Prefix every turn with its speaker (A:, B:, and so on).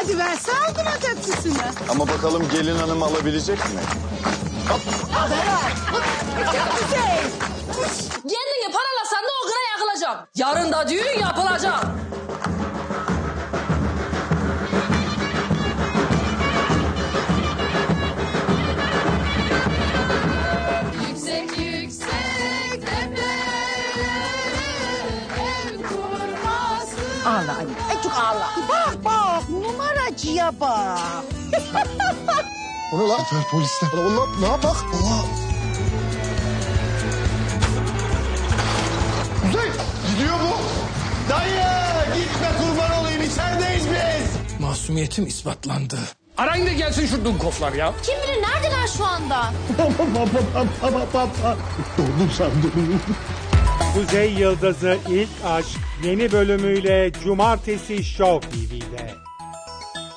A: hadi ver sağ ol buna tepsisini.
B: Ama bakalım gelin hanım alabilecek mi?
C: Kendini paralasan da o kına yakılacak. Yarın da düğün yapılacak. Yüksek yüksek tepelere ev kurmasın.
A: Ağla anne. Çok ağla. Bak numaracıya bak.
D: O ne lan? Sefer polisler. Allah ne yapak? Allah. Kuzey gidiyor bu.
B: Dayı gitme kurban olayım içerideyiz biz.
E: Masumiyetim ispatlandı. Arayın da gelsin şu dunkoflar ya.
F: Kim bilir neredeler şu anda?
D: Dondum sandım.
G: Kuzey Yıldızı İlk Aşk yeni bölümüyle Cumartesi Show TV'de.